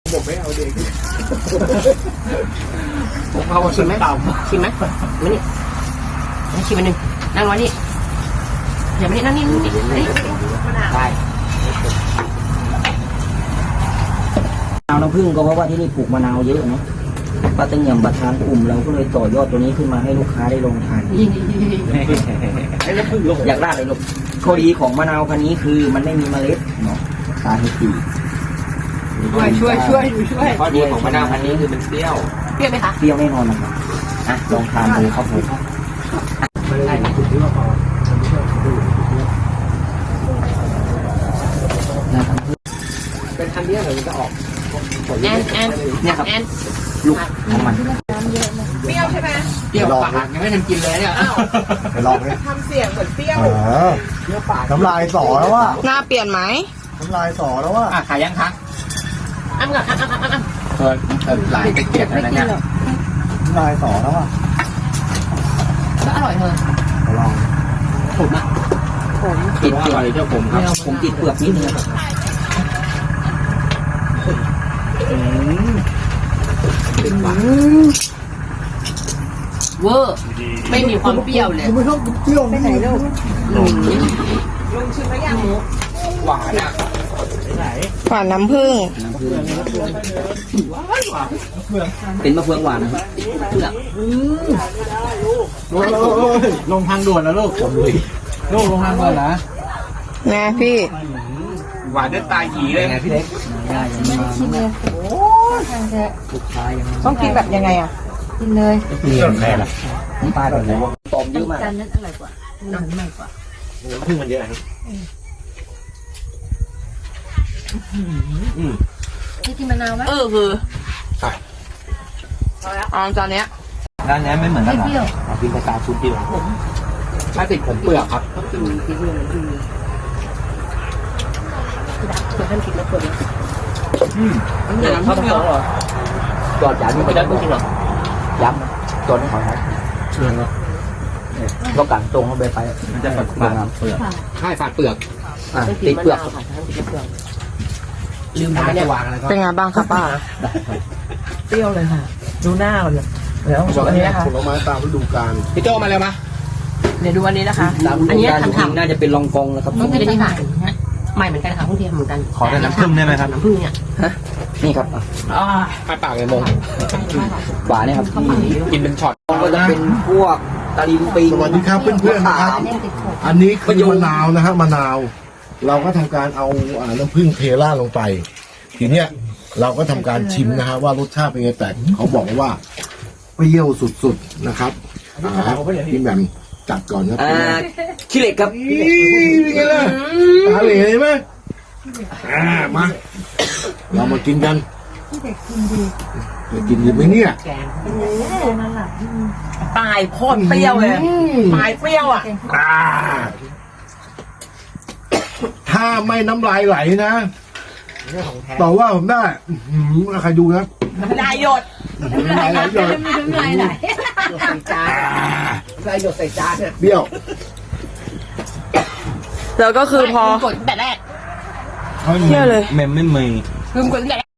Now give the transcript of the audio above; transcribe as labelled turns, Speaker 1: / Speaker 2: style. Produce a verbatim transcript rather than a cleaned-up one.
Speaker 1: ผมไม่เอาเด็ก
Speaker 2: ผมเอาชิมไหมชิมไหมมานี่ให้ชิมอันหนึ่งนั่งไว้นี่อย่ามานี่นั่งนี่นี่นี่ได้มะนาวน้ำผึ้งก็เพราะว่าที่นี่ปลูกมะนาวเยอะเนาะป้าตึงยำประธานกลุ่มเราก็เลยต่อยอดตัวนี้ขึ้นมาให้ลูกค้าได้ลองทานอยากได้เลยลูกข้อดีของมะนาวพันนี้คือมันไม่มีเมล็ดเนาะสาเหตุ
Speaker 3: ช่วยช่วยช่วยช่วย
Speaker 2: ข้อดีของมะนาวพันนี้คือมันเปรี้ยวเปรี้ยวไหมคะเปรี้ยวแน่นอนนะครับอ่ะลองทานดูครับผมได้
Speaker 1: เป็นคันนี้เหรอมันจะออก
Speaker 2: แอนแอนเนี่ยครับแอนลูกของมัน
Speaker 3: เปรี้ยวใช่ไหม
Speaker 2: เปรี้ยวปากยังไม่ทันกินเลยเนี่ย
Speaker 1: ไปลองไหม
Speaker 3: ทำเสียงเหมือนเปรี้ยว
Speaker 1: เปรี้ยวปากน้ำลายสอแล้วว่า
Speaker 3: หน้าเปลี่ยนไหม
Speaker 1: น้ำลายสอแล้วว่า
Speaker 2: อ่ะขายยังคะอ้ำกับอ้ำอ้ำอ้ำอ้ำเออเออหลายไปเกลียดอะไรเนี่ย
Speaker 1: น้ำลายสอแล้วว่า
Speaker 2: ก็อร่อยเธอ
Speaker 1: ลอง
Speaker 2: ผมอ่ะผมติดเปลือกเจ้าผมครับผมติดเปลือกนิดนึงครับเป็นหวานเวอร์ไม่มีความเปรี้ยวเลย
Speaker 1: ไม่ชอบเปรี้ยว
Speaker 3: ไปไหนลูก
Speaker 2: ลุง
Speaker 3: ลุงชิมแล้วยัง
Speaker 2: หวานอ่ะ
Speaker 3: หวานน้ำผึ้ง
Speaker 2: เป็นมะเฟืองหวานนะครับเปลือก
Speaker 1: ลงทางด่วนแล้วลูกลูกลงทางด่วนนะ
Speaker 3: ไงพี่
Speaker 2: หวานได้ตายหีเลยไงพี่เล็ก
Speaker 3: ชิมเลยโอ้ทางแท้ต้องกินแบบยังไงอ่ะกินเลย
Speaker 1: เปรี้ยวแค่ละ
Speaker 2: น้ำปลาแบบไหนตอมเยอะมาก
Speaker 3: จานนั้นอร่อยกว่าน้ำใหม่กว่า
Speaker 1: พึ่งมันเยอะครับ
Speaker 3: ที่กินมะนาวไหมเออคือเอาจานเนี้ย
Speaker 1: ร้านนี้ไม่เหมือนกันหรอเอากินกระตาชุดเดียวถ้าติดผมเปลือกครับ
Speaker 2: ก็คือที่เรื่องมันคือเพื่อนท่านกินแล้วเปิดอืมเดี๋ยวน้ำผึ้งเหรอจอดยาที่ไปได้ไม่กินหรอยับจอดให้เขา
Speaker 1: เชื่อเนาะ
Speaker 2: เรากัดตรงเข้าไปไป
Speaker 1: มันจะฝัดเปลือกเปลือกใช่ฝัดเปลือก
Speaker 2: ติดเปลือกลืมไป
Speaker 3: เนี่ยเป็นไงบ้างครับป้าเปรี้ยวเลยค่ะดูหน้าก่อนเลยแล้วอันนี้นะคะ
Speaker 1: ผลไม้ตามฤดูกาล
Speaker 2: พี่โจมาเลยมา
Speaker 3: เดี๋ยวดูอันนี้นะคะ
Speaker 2: อันนี้ทำทำน่าจะเป็นรองกองนะครับต้องเป็นอันนี้ค่ะใหม่เหมือนกันค่ะพุ่งเทียมเหมือนกัน
Speaker 1: ขอแต่น้ำผึ้งได้ไหมครับ
Speaker 2: น้ำผึ้งเนี่ยฮะนี่ครับ
Speaker 3: อ่า
Speaker 2: ปลาปากเลยมงหวานเนี่ยครับกินเป็นช็อตก็จะเป็นพวกตะลิงปิง
Speaker 1: สวัสดีครับเพื่อนๆนะครับอันนี้คือมะนาวนะฮะมะนาวเราก็ทำการเอาน้ำผึ้งเทล่าลงไปทีเนี้ยเราก็ทำการชิมนะฮะว่ารสชาติเป็นไงแต่เขาบอกว่าเปรี้ยวสุดๆนะครับพี่แหม่มจัดก่อนครับ
Speaker 2: ขี้เหล็กครับ
Speaker 1: เป็นไงล่ะตาเหล่ไหมอ่ามาเรามากินกันจะกินดีไหมเนี่ย
Speaker 3: ปลายโคตรเปรี้ยวเลยปลายเปรี้ยวอ่ะ
Speaker 1: ถ้าไม่น้ำลายไหลนะต่อว่าผมได้ใครดูนะ
Speaker 3: น้ำลายหยด
Speaker 1: น้ำลายไหลหยด
Speaker 3: น้ำลายไหล
Speaker 2: ใส่จานใส่หยดใส่จานเนี่ย
Speaker 1: เบี้ยว
Speaker 3: แล้วก็คือพอก
Speaker 2: ดแต่แรก
Speaker 3: เที่ยวเลย
Speaker 1: แม่ไม่มี
Speaker 2: คือกดแต่